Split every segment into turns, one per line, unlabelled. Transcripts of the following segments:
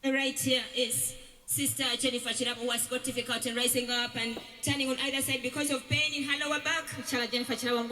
Right here is Sister Jennifer Chirabo, who has got difficulty in rising up and turning on either side because of pain in her lower back. Jennifer Chirabo,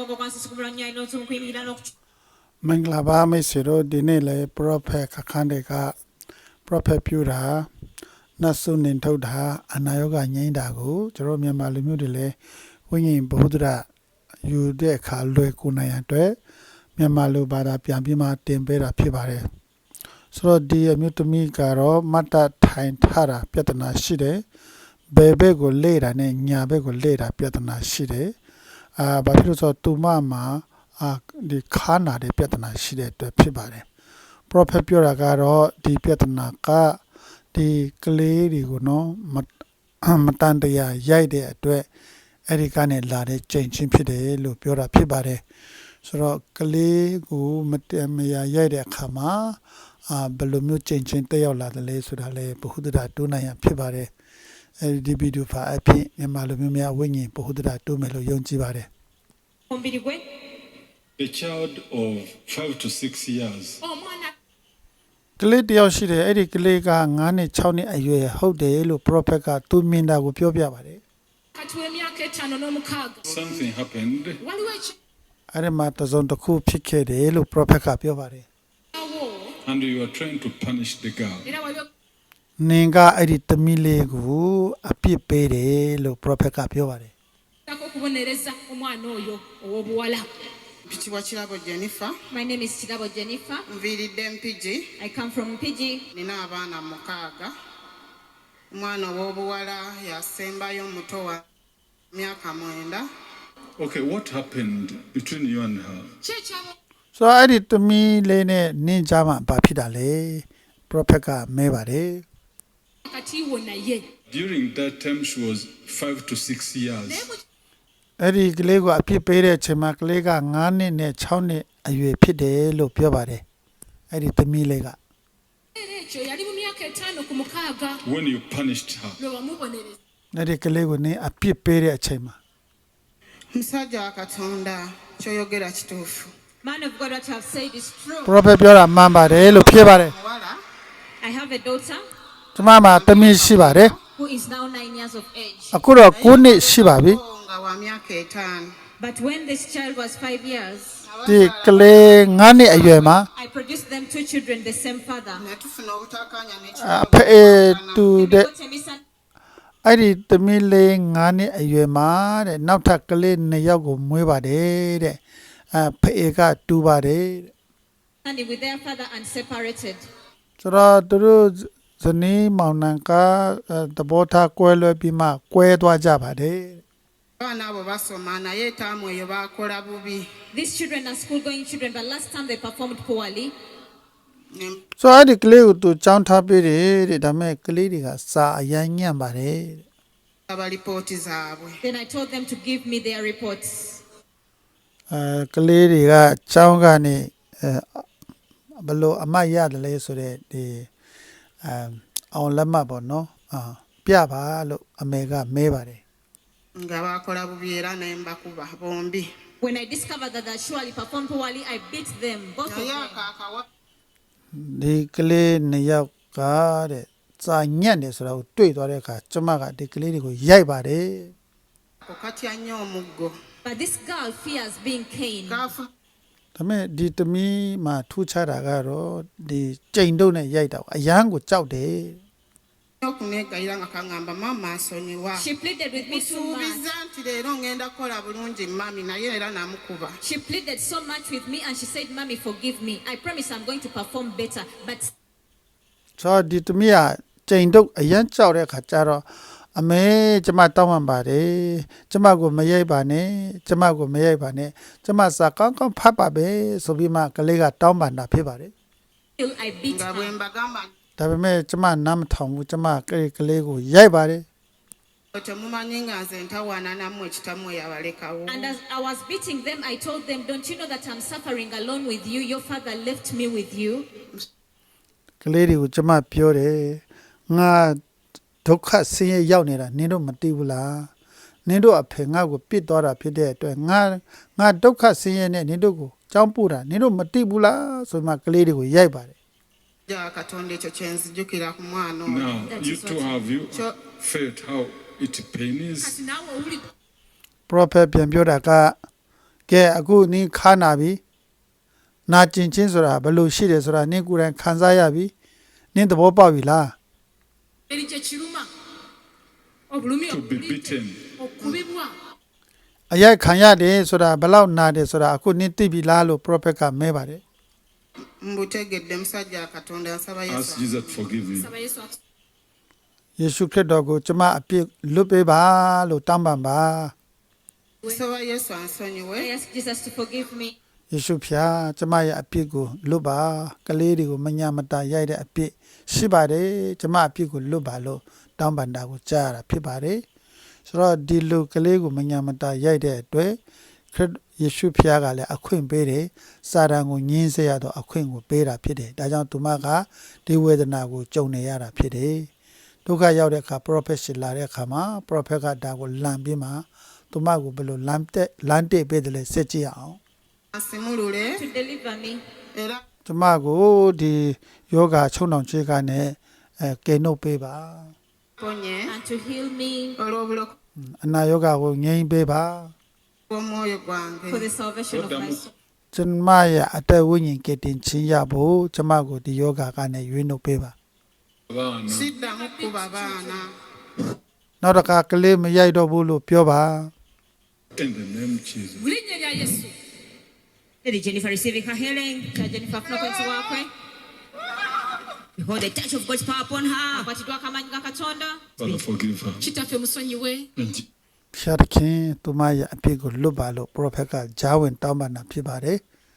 Manglaba Mesiro, Dinele, Prophet Kakandeka, Prophet Pura, Nasu Nintoda, Anayoga Nyendago, Jerome Malimudile, Winging Bodra, you de Kalue Kunayante, Miamalu Bada Piambima Timbera Pibare. So, dear Mutumi Garo, Mata Tain Tara, Piatana Shide, Bebe go later, Nyabe go later, Piatana Shide, Bapiruso Tumama. ဒီခါနာတဲ့ပြဿနာရှိတဲ့အတွက်ဖြစ်ပါတယ် prophet ပြောတာကတော့ဒီပြဿနာကဒီကလေးတွေကိုနော်မတန်တရားရိုက်တဲ့အတွက်အဲ့ဒီကနေလာတဲ့ချိန်ချင်းဖြစ်တယ်လို့ပြောတာဖြစ်ပါတယ်ဆိုတော့ကလေးကိုမတန်မရာရိုက်တဲ့အခါမှာဘယ်လိုမျိုးချိန်ချင်းတက်ရောက်လာတယ်လဲဆိုတာလေဘုဟုတ္တရတိုးနိုင်ရဖြစ်ပါတယ်အဲ့ဒီဗီဒီယိုဖိုင်အဖြစ်မြန်မာလူမျိုးများဝိညာဉ်ဘုဟုတ္တရတိုးမယ်လို့ယုံကြည်ပါတယ်
A child of 5 to 6 years.
ကလေးတယောက်ရှိတယ်အဲ့ဒီကလေးက9နှစ်6နှစ်အရွယ်ဟုတ်တယ်လို့ prophet ကသူမြင်တာကိုပြောပြပါတယ်
Something happened.
အဲ့ဒီမှာတစုံတစ်ခုဖြစ်ခဲ့တယ်လို့ prophet ကပြောပါတယ်
And you are trying to punish the girl.
နင်ကအဲ့ဒီသမီးလေးကိုအပြစ်ပေးတယ်လို့ prophet ကပြောပါတယ်
Pichiwa Chirabo Jennifer.
My name is Chirabo Jennifer.
Nviridde Mpigi.
I come from Piji.
Nina abaana mukaaga. Omwana ow'obuwala yasembayo omuto wa myaka 9.
Okay, what happened between you and her?
ဆိုတော့အဲ့ဒီသမီးလေးနဲ့နင်ကြားမှာဘာဖြစ်တာလဲ prophet ကမဲပါတယ်
During that time, she was 5 to 6 years.
အဲ့ဒီကလေးကိုအပြစ်ပေးတဲ့အချိန်မှာကလေးက9နှစ်နဲ့6နှစ်အရွယ်ဖြစ်တယ်လို့ပြောပါတယ်အဲ့ဒီသမီးလေးက
When you punished her.
အဲ့ဒီကလေးကိုနင်အပြစ်ပေးတဲ့အချိန်မှာ
Musajja wa Katonda kyoyogera kituufu.
Man of God, what you have said is true.
prophet ပြောတာမှန်ပါတယ်လို့ဖြစ်ပါတယ်
Muwala
I have a daughter
ကျမမှာသမီးရှိပါတယ်
who is now 9 years of age.
အခုတော့9နှစ်ရှိပါပြီ
nga wa myaka 5.
But when this child was 5 years,
ဒီကလေး9နှစ်အရွယ်မှာ
I produced them 2 children, the same father.
Ne tufuna obutakkaanya
အဖေတူတဲ့
Got a misun-
အဲ့ဒီသမီးလေး9နှစ်အရွယ်မှာတဲ့နောက်ထပ်ကလေး2ယောက်ကိုမွေးပါတယ်တဲ့အဖေကတူပါတယ်တဲ့
understanding with their father and separated.
ဆိုတော့သူတို့ဇနီးမောင်နှံကသဘောထားကွဲလွဲပြီးမှကွဲသွားကြပါတယ်
abaana abo basoma naye etaamu eyo baakola bubi.
These children are school-going children, but last time they performed poorly.
Ne
ဆိုတော့အဲ့ဒီကလေးကိုသူចောင်းထားပေးတယ်တဲ့ဒါပေမဲ့ကလေးတွေကစာအရန်ညံ့ပါတယ်တဲ့
aba lipooti zaabwe.
Then I told them to give me their reports.
ကလေးတွေကចောင်းကနေဘလို့အမတ်ရတယ်လဲဆိုတဲ့ဒီအောင်လက်မှတ်ပေါ့နော်ပြပါလို့အမေကမဲပါတယ်
nga baakola bubi era ne mbakuba bombi.
When I discovered that they surely performed poorly, I beat them, both of
Naye
them.
akaakawa
ဒီကလေး2ယောက်ကတဲ့စာညံ့တယ်ဆိုတာကိုတွေ့သွားတဲ့အခါကျမကဒီကလေးတွေကိုရိုက်ပါတယ်
ako katya nnyo omuggo.
But this girl fears being caned.
Kaafu
ဒါပေမဲ့ဒီသမီးမှာထူးခြားတာကတော့ဒီကြိမ်တုပ်နဲ့ရိုက်တာကိုအရန်ကိုကြောက်တယ်
okuneegayira nga kaŋŋamba maama nsonyiwa.
She pleaded with me so much.
Musuubiza nti leero ngenda kukola bulungi mami naye era namukuba.
She pleaded so much with me and she said, Mommy, forgive me. I promise I'm going to perform better. But
ဆိုတော့ဒီသမီးကကြိမ်တုပ်အရန်ကြောက်တဲ့အခါကျတော့အမေကျမတောင်းပန်ပါတယ်ကျမကိုမရိုက်ပါနဲ့ကျမကိုမရိုက်ပါနဲ့ကျမစာကောင်းကောင်းဖတ်ပါပဲဆိုပြီးမှကလေးကတောင်းပန်တာဖြစ်ပါတယ်
still I beat
nga bwe
her.
mbagamba
ဒါပေမဲ့ကျမနားမထောင်ဘူးကျမကလေးကိုရိုက်ပါတယ်
temumanyi nga nze ntawaana nammwe ekitammwe yabalekawo.
And as I was beating them, I told them, don't you know that I'm suffering alone with you? Your father left me with you.
ကလေးတွေကိုကျမပြောတယ်ငါဒုက္ခဆင်းရဲရောက်နေတာနင်တို့မသိဘူးလားနင်တို့အဖေငါ့ကိုပြစ်သွားတာဖြစ်တဲ့အတွက်ငါဒုက္ခဆင်းရဲနဲ့နင်တို့ကိုကြောင်းပို့တာနင်တို့မသိဘူးလားဆိုမှကလေးတွေကိုရိုက်ပါတယ်
ja katonda ekyo kyenzijukira ku mwana oyo
Now,
That
you
is
two
what-
have you
Sure.
felt how it pains?
kati naawe owulidde
prophet ပြန်ပြောတာကကဲအခုနင်းခါနာပြီနာကျင်ချင်းဆိုတာဘယ်လိုရှိတယ်ဆိုတာနင်းကိုယ်တိုင်ခံစားရပြီနင်းသဘောပေါက်ပြီလား
eri kye kiruma obulumi
To be beaten.
okubibwa
အရိုက်ခံရတယ်ဆိုတာဘယ်လောက်နာတယ်ဆိုတာအခုနင်းသိပြီလားလို့ prophet ကမဲပါတယ်
mbutegedde musajja katonda nsaba
Ask
yesu
Jesus to forgive you.
saba yesu
ယေရှုခရစ်တော်ကိုကျမအပြစ်လွတ်ပေးပါလို့တောင်းပန်ပါ
nsaba yesu ansonyiwe
I ask Jesus to forgive me.
ယေရှုဖျားကျမရဲ့အပြစ်ကိုလွတ်ပါကလေးတွေကိုမညာမတာရိုက်တဲ့အပြစ်ရှိပါတယ်ကျမအပြစ်ကိုလွတ်ပါလို့တောင်းပန်တာကိုကြားရတာဖြစ်ပါတယ်ဆိုတော့ဒီလူကလေးကိုမညာမတာရိုက်တဲ့အတွက်ခရစ်ယေရှုဖျားကလည်းအခွင့်ပေးတယ်စာတန်ကိုညှင်းဆဲရတော့အခွင့်ကိုပေးတာဖြစ်တယ်ဒါကြောင့်သူမကဒီဝေဒနာကိုကြုံနေရတာဖြစ်တယ်ဒုက္ခရောက်တဲ့အခါ prophet ရှိလာတဲ့အခါမှာ prophet ကဒါကိုလမ်းပြီးမှသူမကိုဘယ်လိုလမ်းတက်ပေးတယ်လဲစစ်ကြည့်အောင်
asimulule
To deliver me.
era
ကျမကိုဒီယောဂချုံနှောင်ချေကနဲ့ကဲနှုတ်ပေးပါ
ponye
And to heal me
olw'obulokozi
အနာယောဂကိုငြိမ်းပေးပါ
bw'omwoyo gwange
for the salvation of my soul.
ကျမရဲ့အသက်ဝိညာဉ်ကယ်တင်ခြင်းရဖို့ကျမကိုဒီယောဂကနေရွေးနှုတ်ပေးပါ
Abana.
siddamu kuba baana
နောက်တစ်ခါကလေးမရိုက်တော့ဘူးလို့ပြောပါ
In the name of Jesus.
mu linnya lya yesu
Lady Jennifer receiving her healing. Jennifer Florence wakwe. Behold the touch of God's power upon her. Akwatiddwa akamanyi ga Katonda.
Father, forgive her.
kitaffe musonyiwe
In Je-
ဖျားသခင်သူမရဲ့အပြစ်ကိုလွတ်ပါလို့ prophet ကဂျာဝင်တောင်းပန်တာဖြစ်ပါတယ်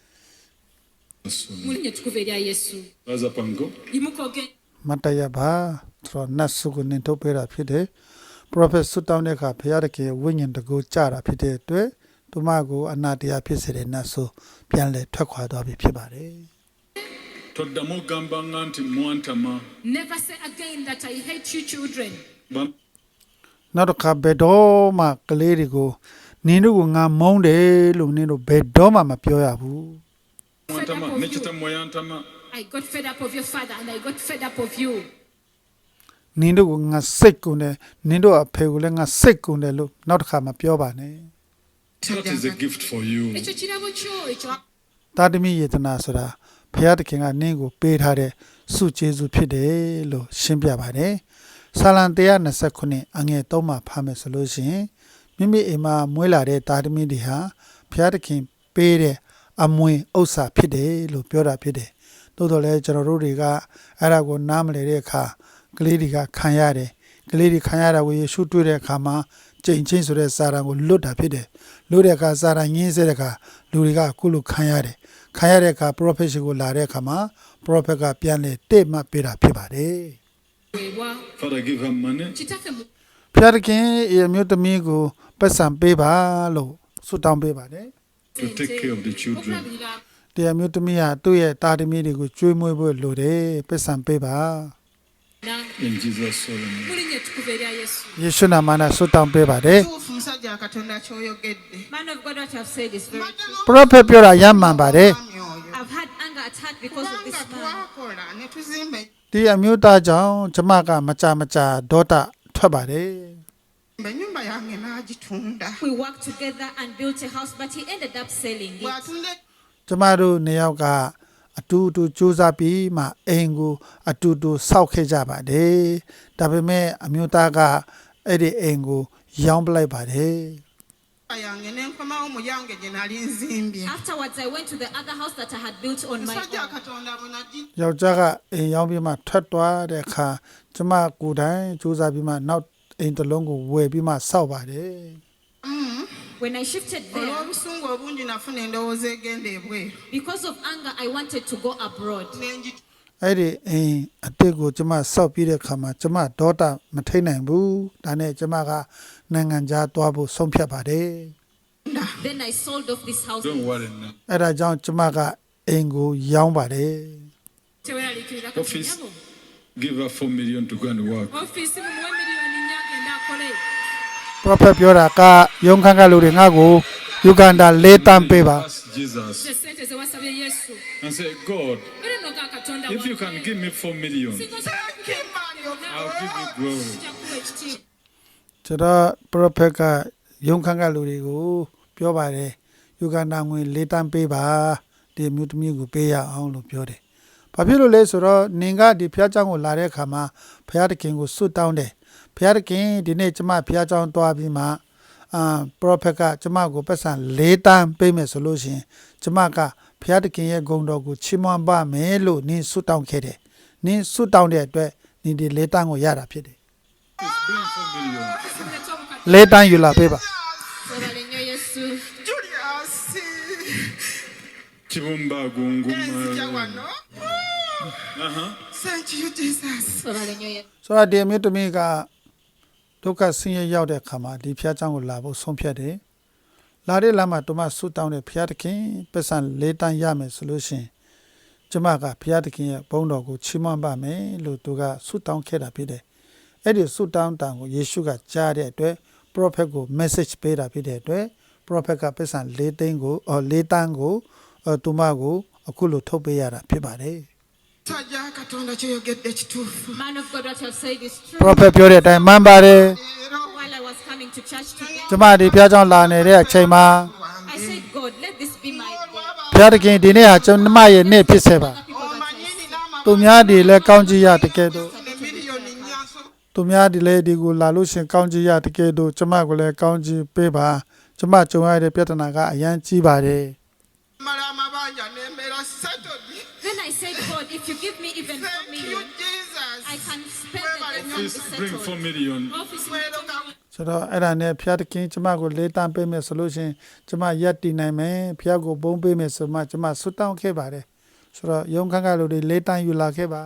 Jesus'
mu
name.
linnya ettukuvu erya yesu
Rise up and go.
yimukoge
မတ်တရပါဆိုတော့နတ်စုကိုနင်ထုတ်ပေးတာဖြစ်တယ် prophet ဆွတောင်းတဲ့အခါဖျားသခင်ဝိညာဉ်တကူကြတာဖြစ်တဲ့အတွက်သူမကိုအနာတရားဖြစ်စေတဲ့နတ်စုပြန်လဲထွက်ခွာသွားပြီဖြစ်ပါတယ်
Toddamu gamba nga nti mwantama.
never say again that I hate you children
Ba-
နောက်တစ်ခါဘယ်တော့မှကလေးတွေကိုနင်တို့ကငါမုန်းတယ်လို့နင်တို့ဘယ်တော့မှမပြောရဘူး
Mwantama. Ne kitammwe yantama.
I got fed up of your father and I got fed up of you
နင်တို့ကငါစိတ်ကုန်တယ်နင်တို့အဖေကိုလည်းငါစိတ်ကုန်တယ်လို့နောက်တစ်ခါမပြောပါနဲ့
That is a gift for you.
ekyo kirabo kyo ekyo
တာသမီယေတနာဆိုတာဘုရားသခင်ကနင့်ကိုပေးထားတဲ့စုကျေးဇူးဖြစ်တယ်လို့ရှင်းပြပါတယ်ဆာလံ129အငယ်3မှာဖားမယ်ဆိုလို့ရှိရင်မိမိအိမ်မှာမွေးလာတဲ့တာသမီတွေဟာဘုရားသခင်ပေးတဲ့အမွေဥစ္စာဖြစ်တယ်လို့ပြောတာဖြစ်တယ်တိုးတော်လည်းကျွန်တော်တို့တွေကအဲ့ဒါကိုနားမလည်တဲ့အခါကလေးတွေကခံရတယ်ကလေးတွေခံရတာကိုယေရှုတွေ့တဲ့အခါမှာကြိမ်ချင်းဆိုတဲ့စာတန်ကိုလွတ်တာဖြစ်တယ်လွတ်တဲ့အခါစာတန်ငင်းစေတဲ့အခါလူတွေကအခုလိုခံရတယ်ခံရတဲ့အခါ prophet ရှိကိုလာတဲ့အခါမှာ prophet ကပြန်လေတဲ့မှပေးတာဖြစ်ပါတယ်
weebwa
Father, give her money.
kitaffe mu
ဖျားခင်အမျိုးသမီးကိုပတ်စံပေးပါလို့ဆုတောင်းပေးပါတယ်
To take care of the children.
okulabirira
တရားမျိုးသမီးဟာသူ့ရဲ့တာသမီးတွေကိုကျွေးမွေးဖို့လိုတယ်ပတ်စံပေးပါ
na
In Jesus' name.
mu linnya ettukuvu erya yesu
ယေရှုနာမနဲ့ဆုတောင်းပေးပါတယ်
tuufu musajja katonda kyoyogedde
Man of God, what you have said is very true.
prophet ပြောတာရမှန်ပါတယ်
mwami oyo
I've had anger attack because of this
kubanga
man.
twakola ne tuzimba
ဒီအမျိုးသားကြောင့်ကျမကမကြမကြာဒေါတာထွက်ပါတယ်
ennyumba yange n'agitunda
We worked together and built a house, but he ended up selling it.
bw'atunda
ကျမတို့နှစ်ယောက်ကအတူတူစူးစမ်းပြီးမှအိမ်ကိုအတူတူစောက်ခဲ့ကြပါတယ်ဒါပေမဲ့အမျိုးသားကအဲ့ဒီအိမ်ကိုရောင်းပလိုက်ပါတယ်
yange ne nkomawo mu yange gye nali nzimbye
Afterwards, I went to the other house that I had built on my
musajja
own.
katonda bwe nagi
ယောက်ျားကအိမ်ရောင်းပြီးမှထွက်သွားတဲ့အခါကျမကိုယ်တိုင်စူးစမ်းပြီးမှနောက်အိမ်တစ်လုံးကိုဝယ်ပြီးမှစောက်ပါတယ်
When I shifted there,
olw'obusungu obungi nafuna endowooza egenda ebweru
because of anger, I wanted to go abroad.
nengi
အဲ့ဒီအိမ်အတစ်ကိုကျမစောက်ပြီးတဲ့အခါမှာကျမဒေါတာမထိန်နိုင်ဘူးဒါနဲ့ကျမကနိုင်ငံခြားသွားဖို့ဆုံးဖြတ်ပါတယ်
Then I sold off this house.
Don't worry now.
အဲ့ဒါကြောင့်ကျမကအိမ်ကိုရောင်းပါတယ်
teweraliikirira
Office.
kanyabo
Give her 4 million to go and work.
ofiisi mumuwe miliyoni nnya agenda akole
prophet ပြောတာကယုံခန့်ကလူတွေငါ့ကိုယူဂန္ဒာ၄တန်းပေးပါ
Ask Jesus
Sente ze wasabye Yesu.
and say, God,
Era no ga Katonda
if you can give me 4 million,
Singa
I'll give you glory.
ကျွန်တော် prophet ကယုံခန့်ကလူတွေကိုပြောပါတယ်ယူဂန္ဓာငွေ၄တန်းပေးပါဒီမြို့သမီးကိုပေးရအောင်လို့ပြောတယ်။ဘာဖြစ်လို့လဲဆိုတော့နင်ကဒီဖျားเจ้าကိုလာတဲ့အခါမှာဘုရားသခင်ကိုစွတ်တောင်းတယ်။ဘုရားသခင်ဒီနေ့ကျမဖျားเจ้าသွားပြီးမှprophet ကကျမကိုပတ်စံ၄တန်းပေးမယ်ဆိုလို့ရှိရင်ကျမကဘုရားသခင်ရဲ့ဂုဏ်တော်ကိုချီးမွမ်းပါမယ်လို့နင်စွတ်တောင်းခဲ့တယ်။နင်စွတ်တောင်းတဲ့အတွက်နင်ဒီ၄တန်းကိုရတာဖြစ်တယ်
Please bring 4 million.
။၄တန်းယူလာပေးပါ
Webale nnyo Yesu.
Julius
Chibumba gunguma.
enzija wano. Thank you Jesus.
Webale nnyo Yesu.
ဆိုတော့ဒီအမျိုးသမီးကဒုက္ခဆင်းရဲရောက်တဲ့အခါမှာဒီဖျားเจ้าကိုလာဖို့ဆုံးဖြတ်တယ်။လာတဲ့လမ်းမှာသူမဆူတောင်းတဲ့ဖျားသခင်ပတ်စံ၄တန်းရမယ်ဆိုလို့ရှိရင်ကျမကဖျားသခင်ရဲ့ဘုန်းတော်ကိုချီးမွမ်းပါမယ်လို့သူကဆူတောင်းခဲ့တာဖြစ်တယ်။အဲ့ဒီဆူတောင်းတန်ကိုယေရှုကကြားတဲ့အတွက် prophet ကို message ပေးတာဖြစ်တဲ့အတွက် prophet ကပတ်စံ၄တန်းကိုသူမကိုအခုလိုထုတ်ပေးရတာဖြစ်ပါတယ်။
Sajja Katonda kyoyogedde kituufu.
Man of God, what you have said is true.
prophet ပြောတဲ့အတိုင်းမှန်ပါတယ်
While I was coming to church today,
ကျမဒီဖျားเจ้าလာနေတဲ့အချိန်မှာ
I said, God, let this be my day.
ဘုရားသခင်ဒီနေ့ဟာကျွန်မရဲ့နေ့ဖြစ်စေပါ
People that I
Omanyini n'amagulu
သူများဒီလဲကောင်းကြီးရတကယ်တော့
ne miliyoni nnya nso.
သူများဒီလဲဒီကိုလာလို့ရှင်ကောင်းကြီးရတကယ်တော့ကျမကိုလည်းကောင်းကြီးပေးပါကျမကြုံရတဲ့ပြဿနာကအရန်ကြီးပါတယ်
Mala amabanja n'embeera settled.
Then I said, God, if you give me even 4
Thank you
million,
Jesus.
I can spend it and be
Please bring 4
settled.
million.
Office
Weeroga
ဆိုတော့အဲ့ဒါနဲ့ဘုရားသခင်ကျမကိုလေးတန်းပေးမယ်ဆိုလို့ရှင်ကျမရက်တည်နိုင်မယ်ဘုရားကိုဘုန်းပေးမယ်ဆိုမှကျမဆွတောင်းခဲ့ပါတယ်ဆိုတော့ယုံခန့်ကလူတွေလေးတန်းယူလာခဲ့ပါ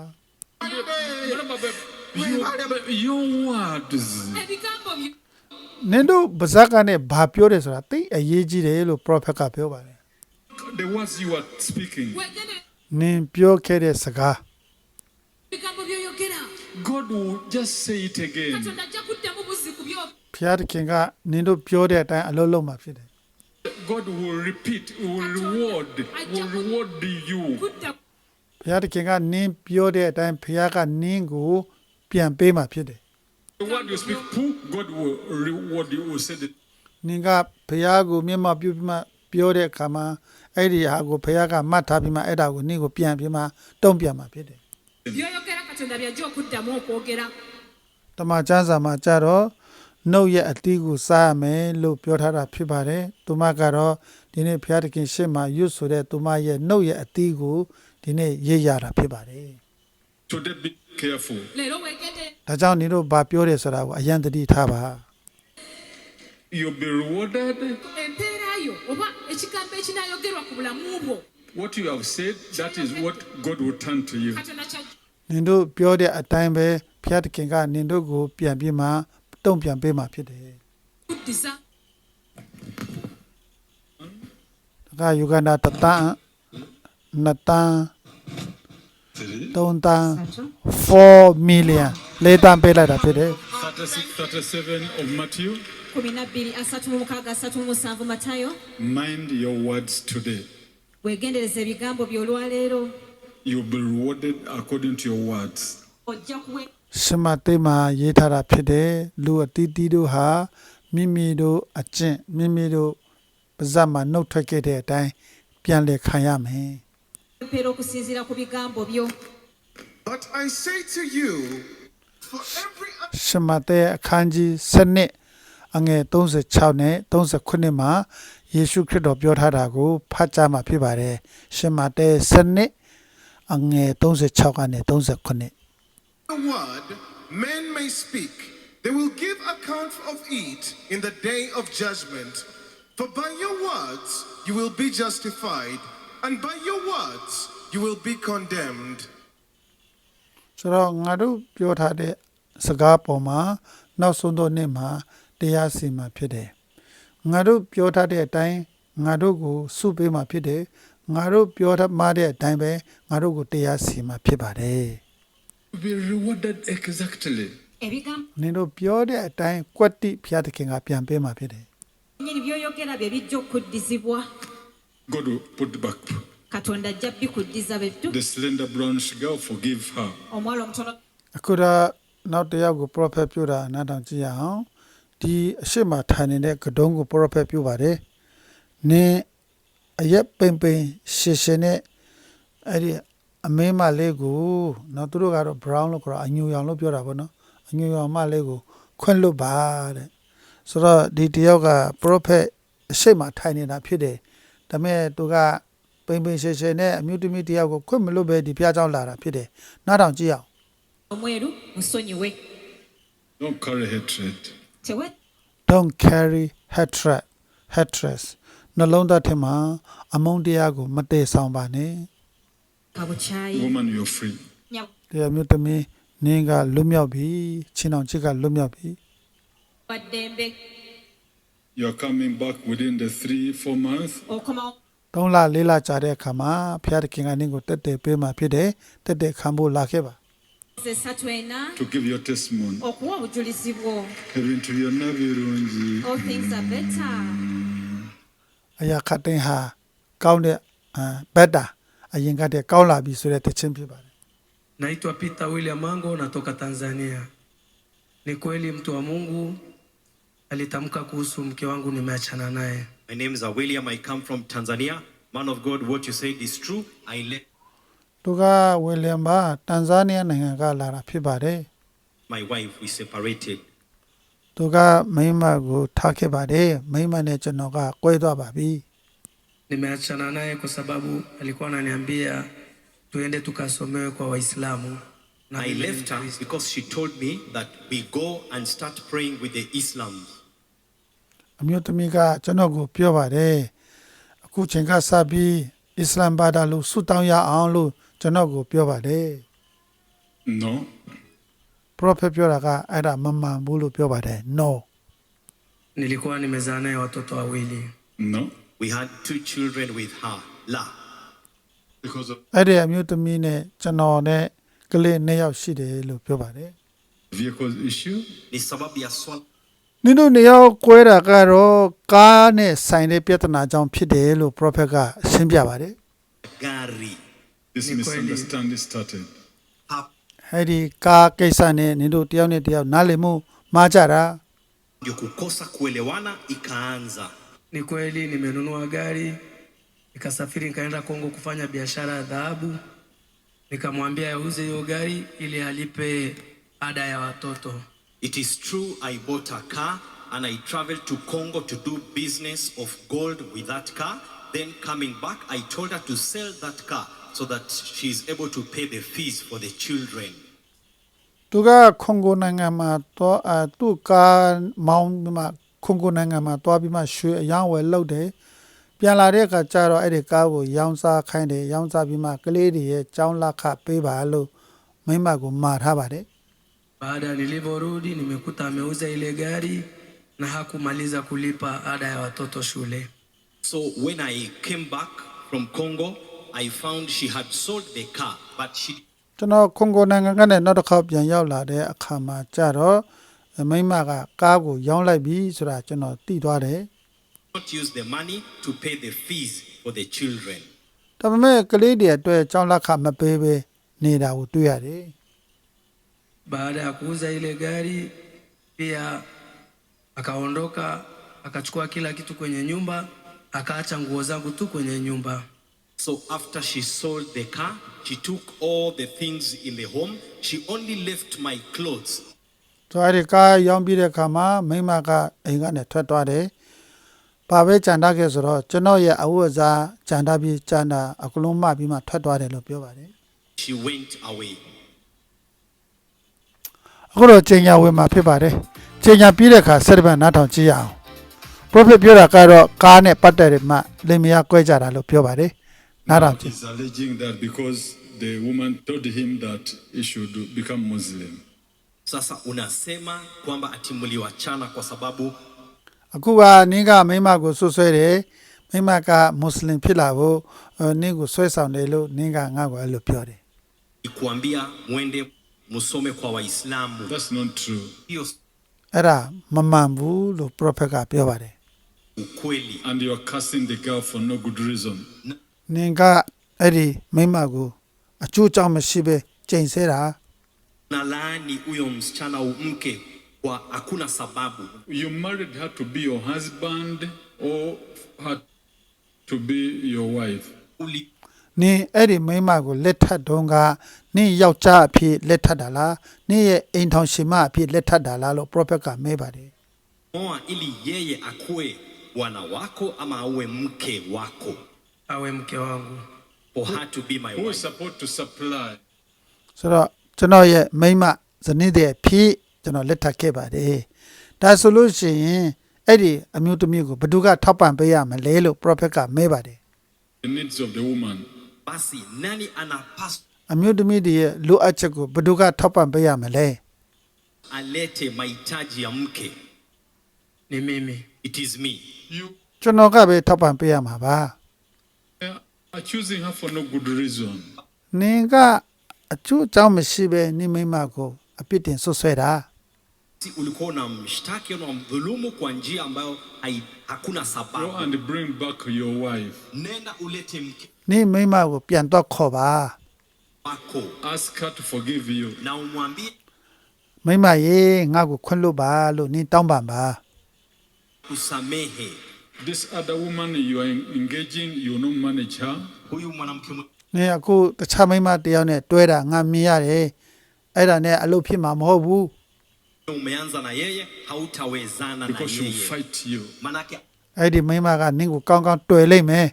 Your words.
ebigambo byo
နင်တို့ဗဇက်ကနေဘာပြောတယ်ဆိုတာသိအရေးကြီးတယ်လို့ prophet ကပြောပါတယ်
The words you are speaking.
wegende
နင်ပြောခဲ့တဲ့စကား
ebigambo byoyogera
God will just say it again.
Katonda ajja kuddamu buzzi ku byo
ဘုရားသခင်ကနင်တို့ပြောတဲ့အတိုင်းအလုပ်လုပ်မှာဖြစ်တယ်
God will repeat, will reward you.
kudda
ဘုရားသခင်ကနင်းပြောတဲ့အတိုင်းဘုရားကနင်းကိုပြန်ပေးမှာဖြစ်တယ်
The word you speak, pooh, God will reward you. Will say that.
နင်ကဘုရားကိုမျက်မှောက်ပြုပြီးမှပြောတဲ့အခါမှာအဲ့ဒီဟာကိုဘုရားကမှတ်ထားပြီးမှအဲ့ဒါကိုနင်းကိုပြန်ပြီးမှတုံ့ပြန်မှာဖြစ်တယ်
byoyogera Katonda byajja okuddamu okwogera
တမန်ကျမ်းစာမှာကြတော့နှုတ်ရဲ့အတီးကိုစားရမယ်လို့ပြောထားတာဖြစ်ပါတယ်သူမကတော့ဒီနေ့ဘုရားသခင်ရှေ့မှာရွတ်ဆိုတဲ့သူမရဲ့နှုတ်ရဲ့အတီးကိုဒီနေ့ရေးရတာဖြစ်ပါတယ်
Today, be careful.
leero wegende
ဒါကြောင့်နင်တို့ဘာပြောတယ်ဆိုတာကိုအရင်သတိထားပါ
You'll be rewarded.
empeera yo oba ekigambo ekinaayogerwa ku bulamu bwo
What you have said, that is what God will turn to you.
Katonda kyajja
နင်တို့ပြောတဲ့အတိုင်းပဲဘုရားသခင်ကနင်တို့ကိုပြန်ပြီးမှတုံ့ပြန်ပေးမှာဖြစ်တယ်
kuddiza
ဒါကယူဂန္ဓာတတန်းနှစ်တန်းသုံးတန်း4 million လေးတန်းပေးလိုက်တာဖြစ်တယ်
37 of Matthew.
12:37 Matayo.
Mind your words today.
Wegendereza ebigambo by'olwaleero.
You'll be rewarded according to your words.
Ojja kuwe
ရှမသိမှာရေးထားတာဖြစ်တယ်လူအတီးတီးတို့ဟာမိမိတို့အကျင့်မိမိတို့ပါဇက်မှာနှုတ်ထွက်ခဲ့တဲ့အတိုင်းပြန်လည်ခံရမယ်
empeera okusinziira ku bigambo byo.
But I say to you, for every
ရှမသိအခန်းကြီး7အငယ်36နဲ့39မှာယေရှုခရစ်တော်ပြောထားတာကိုဖတ်ကြားမှာဖြစ်ပါတယ်ရှမသိ7အငယ်36ကနေ39
the word men may speak, they will give account of it in the day of judgment. For by your words you will be justified, and by your words you will be condemned.
ဆိုတော့ငါတို့ပြောထားတဲ့စကားပေါ်မှာနောက်ဆုံးသောနေ့မှာတရားစီမှာဖြစ်တယ်ငါတို့ပြောထားတဲ့အတိုင်းငါတို့ကိုစုပေးမှာဖြစ်တယ်ငါတို့ပြောထားမှတဲ့အတိုင်းပဲငါတို့ကိုတရားစီမှာဖြစ်ပါတယ်
You'll be rewarded exactly.
Ebigambo
နင်တို့ပြောတဲ့အတိုင်းကွက်တိဘုရားသခင်ကပြန်ပေးမှာဖြစ်တယ်
nnyini by'oyogera bye bijja okuddizibwa.
God will put back.
katonda ajja bikuddiza bettu
The slender brownish girl, forgive her.
omuwala omutono
အခုတော့နောက်တစ်ယောက်ကို prophet ပြုတာနားထောင်ကြည့်ရအောင်ဒီအရှိမထိုင်နေတဲ့ကတုံးကို prophet ပြုပါတယ်နင်းအရက်ပိန်ပိန်ရှည်ရှည်နဲ့အဲ့ဒီအမင်းမလေးကိုနော်သူတို့ကတော့ brown လို့ခေါ်တာအညူရောင်လို့ပြောတာပေါ့နော်အညူရောင်မလေးကိုခွင့်လွတ်ပါတဲ့ဆိုတော့ဒီတယောက်က prophet အရှိမထိုင်နေတာဖြစ်တယ်ဒါပေမဲ့သူကပိန်ပိန်ရှည်ရှည်နဲ့အမျိုးသမီးတယောက်ကိုခွင့်မလွတ်ပဲဒီဖျားเจ้าလာတာဖြစ်တယ်နားထောင်ကြည့်အောင်
omweru musonyiwe
Don't carry hatred.
tewe
don't carry hatred နှလုံးသားထဲမှာအမုန်းတရားကိုမတည်ဆောင်ပါနဲ့
kabukyayi
Woman, you're free.
ည
တရားမျိုးသမီးနင်းကလွတ်မြောက်ပြီချင်းအောင်ချစ်ကလွတ်မြောက်ပြီ
waddembe
You're coming back within the 3-4 months.
okoma
3လ4လကြာတဲ့အခါမှာဖျားတခင်ကနင်းကိုတက်တယ်ပေးမှဖြစ်တယ်တက်တယ်ခံဖို့လာခဲ့ပါ
esatu ena
To give your testimony.
okuwa obujulizi bwo
Ebintu byonna birungi.
all things are better
အရာခတ်တိုင်းဟာကောင်းတဲ့ဘက်တာအရင်ကတည်းကကောင်းလာပြီဆိုတဲ့တခြင်းဖြစ်ပါတယ်
Naitwa Peter William Mango, natoka Tanzania. Ni kweli mtu wa Mungu alitamka kuhusu mke wangu nimeachana naye.
My name is William. I come from Tanzania. Man of God, what you said is true. I left
သူကဝီလျံပါတန်ဇာနီးယားနိုင်ငံကလာတာဖြစ်ပါတယ်
my wife. We separated.
သူကမိန်းမကိုထားခဲ့ပါတယ်မိန်းမနဲ့ကျွန်တော်ကကွဲသွားပါပြီ
Nimeachana naye kwa sababu alikuwa ananiambia tuende tukasomewe kwa Waislamu. Na
I
mimi ni
left her
Mkristo.
because she told me that we go and start praying with the Islams.
အမျိုးသမီးကကျွန်တော်ကိုပြောပါတယ်အခုချိန်ကစပြီးအစ္စလာမ်ဘာသာလို့ဆုတောင်းရအောင်လို့ကျွန်တော်ကိုပြောပါတယ်
No.
prophet ပြောတာကအဲ့ဒါမမှန်ဘူးလို့ပြောပါတယ် no
Nilikuwa nimezaa naye watoto wawili.
No.
We had 2 children with her. La.
Because of
အဲ့ဒီအမျိုးသမီးနဲ့ကျွန်တော်နဲ့ကလေး2ယောက်ရှိတယ်လို့ပြောပါတယ်
vehicle issue.
Ni sababu ya swala
နင်တို့2ယောက်ကွဲတာကတော့ကားနဲ့ဆိုင်တဲ့ပြဿနာကြောင့်ဖြစ်တယ်လို့ prophet ကရှင်းပြပါတယ်
gari.
This
Ni kweli.
misunderstanding started.
Hapo
အဲ့ဒီကားကိစ္စနဲ့နင်တို့တယောက်နဲ့တယောက်နားလည်မှုမှားကြတာ
ndio kukosa kuelewana ikaanza.
Ni kweli nimenunua gari, nikasafiri nikaenda Kongo kufanya biashara ya dhahabu. Nikamwambia auze hiyo gari ili alipe ada ya watoto.
It is true, I bought a car and I traveled to Congo to do business of gold with that car. Then coming back, I told her to sell that car so that she is able to pay the fees for the children.
သူကခွန်ကိုနိုင်ငံမှာတော့သူ့ကားမောင်းပြီးမှခွန်ကိုနိုင်ငံမှာတွားပြီးမှရွှေအယောင်းဝယ်လုပ်တယ်ပြန်လာတဲ့အခါကျတော့အဲ့ဒီကားကိုရောင်းစားခိုင်းတယ်ရောင်းစားပြီးမှကလေးတွေရဲ့ကျောင်းလက်ခပေးပါလို့မိမကိုမှာထားပါတယ်
Baada nilivyorudi nimekuta ameuza ile gari na hakumaliza kulipa ada ya watoto shule.
So when I came back from Congo, I found she had sold the car, but she
ကျွန်တော်ခွန်ကိုနိုင်ငံကနေနောက်တစ်ခေါက်ပြန်ရောက်လာတဲ့အခါမှာကျတော့မိမကကားကိုရောင်းလိုက်ပြီဆိုတာကျွန်တော်သိသွားတယ်
did not use the money to pay the fees for the children.
ဒါပေမဲ့ကလေးတွေအတွက်ကျောင်းလက်ခမပေးဘဲနေတာကိုတွေ့ရတယ်
Baada ya kuuza ile gari pia akaondoka akachukua kila kitu kwenye nyumba, akaacha nguo zangu tu kwenye nyumba.
So after she sold the car, she took all the things in the home. She only left my clothes.
ဆိုအဲ့ဒီကားရောင်းပြီးတဲ့အခါမှာမိမကအိမ်ကနေထွက်သွားတယ်။ဘာပဲကြံတာခဲ့ဆိုတော့ကျွန်တော်ရဲ့အဝတ်အစားကြံတာပြီးကြံတာအကလုံးမှပြီးမှထွက်သွားတယ်လို့ပြောပါတယ်
She went away.
။အခုတော့ချိန်ညာဝင်မှာဖြစ်ပါတယ်။ချိန်ညာပြီးတဲ့အခါဆက်တပတ်နားထောင်ကြည့်ရအောင်။ prophet ပြောတာကတော့ကားနဲ့ပတ်သက်တဲ့မှလင်မယားကွဲကြတာလို့ပြောပါတယ်။နားထောင်ကြည့်
He's alleging that because the woman told him that he should become Muslim.
Sasa unasema kwamba ati mliwachana kwa sababu
။အခုကနင်းကမိမကိုဆွဆွဲတယ်။မိမကမွတ်စလင်ဖြစ်လာဖို့နင်းကိုဆွဲဆောင်တယ်လို့နင်းကငါ့ကိုအဲ့လိုပြောတယ်
ikuambia mwende musome kwa Waislamu.
That's not true.
Hiyo
။အဲ့ဒါမမှန်ဘူးလို့ prophet ကပြောပါတယ်
ukweli.
and you are cursing the girl for no good reason.
နင်ကအဲ့ဒီမိန်းမကိုအကျိုးကြောင့်မရှိပဲကျိန်ဆဲတာ
Nalaani huyo msichana au mke kwa hakuna sababu.
You married her to be your husband or her to be your wife.
Uli
နင်အဲ့ဒီမိန်းမကိုလက်ထပ်တုန်းကနင်ယောက်ျားအဖြစ်လက်ထပ်တာလားနင်ရဲ့အိမ်ထောင်ရှင်မအဖြစ်လက်ထပ်တာလားလို့ prophet ကမဲပါတယ်
moa ili yeye akue bwana wako ama awe mke wako.
awe mke wangu.
For her to be my
Who is
wife.
supposed to supply?
ဆိုတော့ကျွန်တော်ရဲ့မိန်းမဇနီးတဲ့အဖြစ်ကျွန်တော်လက်ထပ်ခဲ့ပါတယ်ဒါဆိုလို့ရှိရင်အဲ့ဒီအမျိုးသမီးကိုဘယ်သူကထောက်ပံ့ပေးရမလဲလို့ prophet ကမဲပါတယ်
The needs of the woman.
Basi nani anapaswa
အမျိုးသမီးတွေရဲ့လိုအပ်ချက်ကိုဘယ်သူကထောက်ပံ့ပေးရမလဲ
alete mahitaji ya mke?
Ni mimi.
It is me.
You
ကျွန်တော်ကပဲထောက်ပံ့ပေးရမှာပါ
are choosing her for no good reason.
နင်ကအကျိုးအကြောင်းမရှိပဲနင်မိန်းမကိုအပြစ်တင်ဆွဆွဲတာ
Si ulikuwa unamshtaki au unamdhulumu kwa njia ambayo hakuna
Go
sababu.
and bring back your wife.
Nenda ulete mke
နင်မိန်းမကိုပြန်တော့ခေါ်ပါ
wako
Ask her to forgive you.
na umwambie
မိန်းမရေငါ့ကိုခွင့်လွတ်ပါလို့နင်တောင်းပန်ပါ
kusamehe.
This other woman you are engaging, you will not manage her.
Huyu mwanamke
နင်အခုတခြားမိန်းမတစ်ယောက်နဲ့တွဲတာငါမြင်ရတယ်အဲ့ဒါနဲ့အလုပ်ဖြစ်မှာမဟုတ်ဘူး
umeanza na yeye hautawezana na
Because she will
yeye.
fight you.
Manake
အဲ့ဒီမိန်းမကနင်ကိုကောင်းကောင်းတွေ့လိမ့်မယ်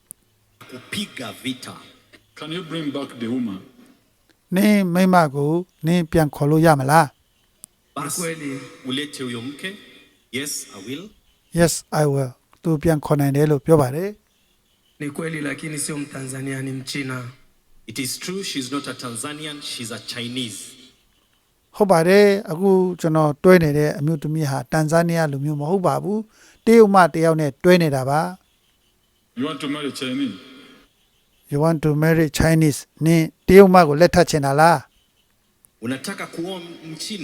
kupiga vita.
Can you bring back the woman?
နင်မိန်းမကိုနင်ပြန်ခေါ်လို့ရမလား
Ni
Basi
kweli.
ulete huyo mke. Yes, I will.
Yes I will သူပြန်ခေါ်နိုင်တယ်လို့ပြောပါတယ်
Ni kweli lakini sio Mtanzania, ni Mchina.
It is true she's not a Tanzanian, she's a Chinese.
ဟုတ်ပါတယ်အခုကျွန်တော်တွဲနေတဲ့အမျိုးသမီးဟာတန်ဇာနီးယားလူမျိုးမဟုတ်ပါဘူးတရုတ်မတစ်ယောက်နဲ့တွဲနေတာပါ
You want to marry Chinese?
You want to marry Chinese နင်တရုတ်မကိုလက်ထပ်ချင်တာလား
Unataka kuoa Mchina?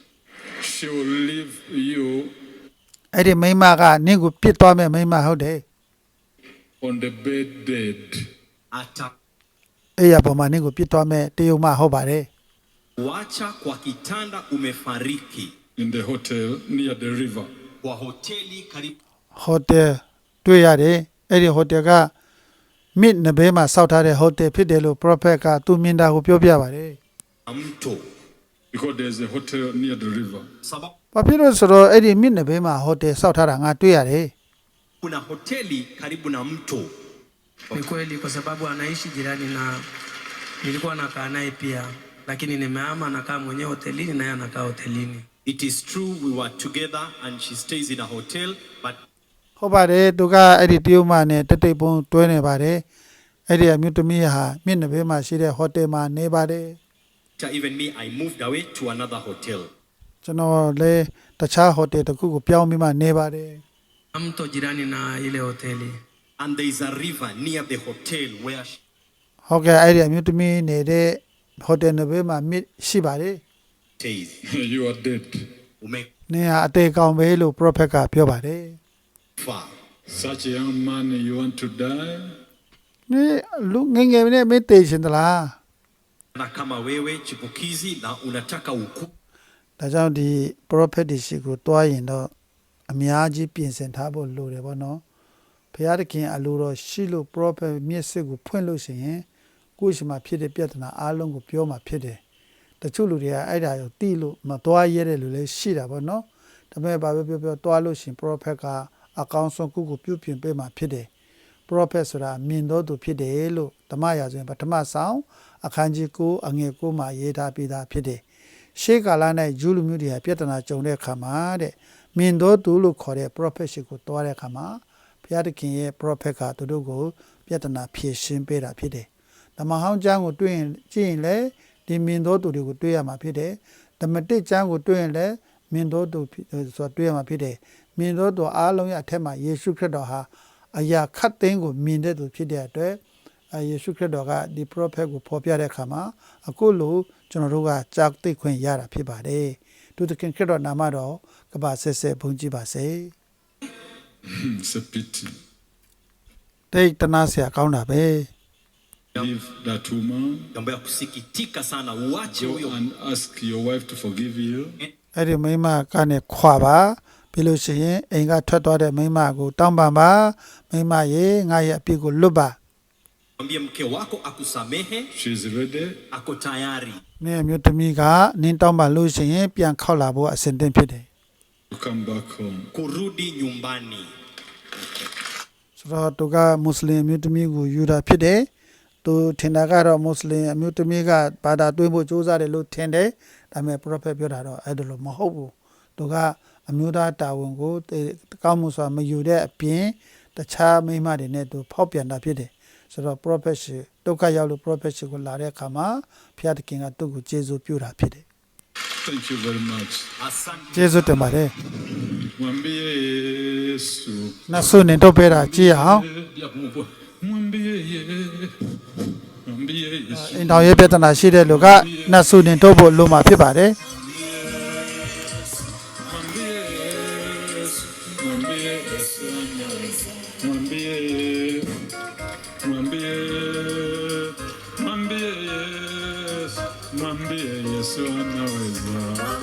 She will leave you
အဲ့ဒီမိန်းမကနင့်ကိုပြစ်သွားမဲ့မိန်းမဟုတ်တယ်
on the bed dead.
Ata
အဲ့ရပေါ်မှာနင့်ကိုပြစ်သွားမဲ့တရုတ်မဟုတ်ပါတယ်
kuacha kwa kitanda umefariki
In the hotel near the river.
kwa hoteli karibu
ဟိုတယ်တွေ့ရတယ်အဲ့ဒီဟိုတယ်ကမြစ်နဘေးမှာစောက်ထားတဲ့ဟိုတယ်ဖြစ်တယ်လို့ prophet ကသူမြင်တာကိုပြောပြပါတယ်
na mto.
Because there's a hotel near the river.
Sababu
ဘာဖြစ်လို့ဆိုတော့အဲ့ဒီမြစ်နဘေးမှာဟိုတယ်စောက်ထားတာငါတွေ့ရတယ်
kuna hoteli karibu na mto.
Ni kweli kwa sababu anaishi jirani na nilikuwa nakaa naye pia, lakini nimehama, nakaa mwenyewe hotelini na yeye anakaa hotelini.
It is true we were together and she stays in a hotel, but
ဟုတ်ပါတယ်သူကအဲ့ဒီတရုတ်မနဲ့တက်တိတ်ပုံတွဲနေပါတယ်အဲ့ဒီအမျိုးသမီးဟာမြစ်နဘေးမှာရှိတဲ့ဟိုတယ်မှာနေပါတယ်
even me I moved away to another hotel.
ကျွန်တော်လည်းတခြားဟိုတယ်တစ်ခုကိုပြောင်းပြီးမှနေပါတယ်
Na mto jirani na ile hoteli.
And there is a river near the hotel where she
ဟုတ်ကဲ့အဲ့ဒီအမျိုးသမီးနေတဲ့ဟိုတယ်နဘေးမှာမြစ်ရှိပါတယ်
stays.
You are dead.
နင်ဟာအသေးကောင်ပဲလို့ prophet ကပြောပါတယ်
Umekufa.
Such a young man, you want to die?
နင်လူငယ်ငယ်နဲ့မင်းသေးရှင်သလား
Na kama wewe chipukizi na unataka uku
ဒါကြောင့်ဒီ prophet ဒီရှိကိုတွားရင်တော့အများကြီးပြင်ဆင်ထားဖို့လိုတယ်ဗောနော်ဘုရားသခင်အလိုတော်ရှိလို့ prophet မျက်စိကိုဖွင့်လို့ရှိရင်ကိုယ့်ရှိမှဖြစ်တဲ့ပြဿနာအားလုံးကိုပြောမှဖြစ်တယ်တချို့လူတွေကအဲ့ဒါကိုသိလို့မတွားရတဲ့လူလည်းရှိတာဗောနော်ဒါပေမဲ့ဘာပဲပြောပြောတွားလို့ရှိရင် prophet ကအကောင်းဆုံးကုကိုပြုပြင်ပေးမှဖြစ်တယ် prophet ဆိုတာမြင်တော်သူဖြစ်တယ်လို့ဓမ္မရာဇဝင်ပထမဆောင်အခန်းကြီး9အငယ်9မှာရေးထားပြီးသားဖြစ်တယ်ရှေးကာလ၌ဂျူးလူမျိုးတွေကပြဿနာကြုံတဲ့အခါမှာတဲ့မြင်တော်သူလို့ခေါ်တဲ့ prophet ရှိကိုတွားတဲ့အခါမှာဘုရားသခင်ရဲ့ prophet ကသူတို့ကိုပြဿနာဖြေရှင်းပေးတာဖြစ်တယ်ဓမ္မဟောင်းကျမ်းကိုတွေ့ရင်ကြည့်ရင်လည်းဒီမြင်တော်သူတွေကိုတွေ့ရမှာဖြစ်တယ်ဓမ္မတစ်ကျမ်းကိုတွေ့ရင်လည်းမြင်တော်သူဆိုတာတွေ့ရမှာဖြစ်တယ်မြင်တော်သူအားလုံးရဲ့အထက်မှာယေရှုခရစ်တော်ဟာအရာခတ်သိမ်းကိုမြင်တဲ့သူဖြစ်တဲ့အတွက်ယေရှုခရစ်တော်ကဒီ prophet ကိုဖော်ပြတဲ့အခါမှာအခုလိုကျွန်တော်တို့ကကြားသိခွင့်ရတာဖြစ်ပါတယ်သူသခင်ခရစ်တော်နာမတော်ကပ္ပဆက်ဆက်ဘုန်းကြီးပါစေ
It's a pity.
တိတ်တနာစရာကောင်းတာပဲ
Leave that woman.
Jambo ya kusikitika sana, uache
Go
huyo
and ask your wife to forgive you.
အဲ့ဒီမိန်းမကနေခွာပါပြီးလို့ရှိရင်အိမ်ကထွက်သွားတဲ့မိန်းမကိုတောင်းပန်ပါမိန်းမရေငါရဲ့အပြစ်ကိုလွတ်ပါ
mwambie mke wako akusamehe,
She's ready.
ako tayari
မင်းအမျိုးသမီးကနင်းတောင်းပန်လို့ရှိရင်ပြန်ခောက်လာဖို့အဆင်သင့်ဖြစ်တယ်
To come back home.
kurudi nyumbani.
ဆိုတော့သူကမွတ်စလင်အမျိုးသမီးကိုယူတာဖြစ်တယ်သူထင်တာကတော့မွတ်စလင်အမျိုးသမီးကဘာသာတွင်းဖို့ကြိုးစားတယ်လို့ထင်တယ်ဒါပေမဲ့ prophet ပြောတာတော့အဲ့ဒါလို့မဟုတ်ဘူးသူကအမျိုးသားတာဝန်ကိုကောင်းမှုစွာမယူတဲ့အပြင်တခြားမိန်းမတွေနဲ့သူဖောက်ပြန်တာဖြစ်တယ်ဆိုတော့ prophet ရှိဒုက္ခရောက်လို့ prophet ရှိကိုလာတဲ့အခါမှာဘုရားသခင်ကသူ့ကိုကျေးဇူးပြုတာဖြစ်တယ်
Thank you very much.
Asante.
ကျေးဇူးတင်ပါတယ်
Mwambie Yesu.
နတ်ဆုနေတော့ပေးတာကြည့်အောင်
Mwambie Mwambie Yesu.
အင်တော်ရေးပြဿနာရှိတဲ့လူကနတ်ဆုနေတော့ဖို့လိုမှာဖြစ်ပါတယ်
Mwambie Yesu. Mwambie Yesu. Mwambie Mwambie Mwambie Yesu. Mwambie Yesu anaweza.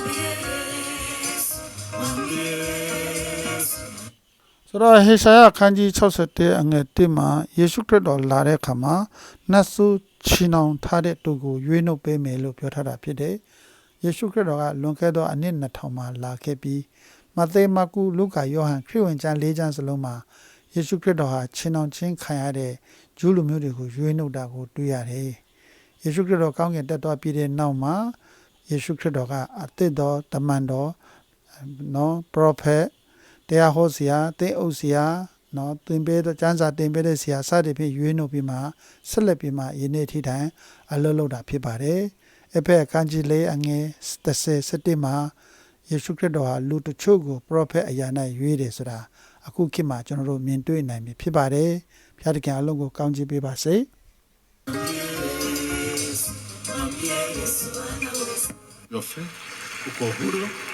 Mwambie Yesu.
ဆိုတော့ဟေရှာယအခန်းကြီး61အငယ်1မှာယေရှုခရစ်တော်လာတဲ့အခါမှာနတ်ဆုချီနှောင်ထားတဲ့သူကိုရွေးနှုတ်ပေးမယ်လို့ပြောထားတာဖြစ်တယ်။ယေရှုခရစ်တော်ကလွန်ခဲ့သောအနှစ်2000မှာလာခဲ့ပြီးမဿဲမာကုလုကာယောဟန်ခရစ်ဝင်ကျမ်း4ကျမ်းစလုံးမှာယေရှုခရစ်တော်ဟာချီနှောင်ခြင်းခံရတဲ့ဂျူးလူမျိုးတွေကိုရွေးနှုတ်တာကိုတွေ့ရတယ်။ယေရှုခရစ်တော်ကောင်းကင်တက်သွားပြီးတဲ့နောက်မှာယေရှုခရစ်တော်ကအသစ်တော်တမန်တော်နော် prophet တရားဟောဆရာသင်အုပ်ဆရာနော်သင်ပေးတဲ့ကျမ်းစာသင်ပေးတဲ့ဆရာစသည်ဖြင့်ရွေးနှုတ်ပြီးမှဆက်လက်ပြီးမှယနေ့ထိတိုင်အလုပ်လုပ်တာဖြစ်ပါတယ်။အဖက်အခန်းကြီး၄အငယ်37မှာယေရှုခရစ်တော်ဟာလူတချို့ကို prophet အရာ၌ရွေးတယ်ဆိုတာအခုခေတ်မှာကျွန်တော်တို့မြင်တွေ့နိုင်ပြီဖြစ်ပါတယ်။ဘုရားသခင်အလုံးကိုကောင်းချီးပေးပါစေ။
Your faith.
Uko huru.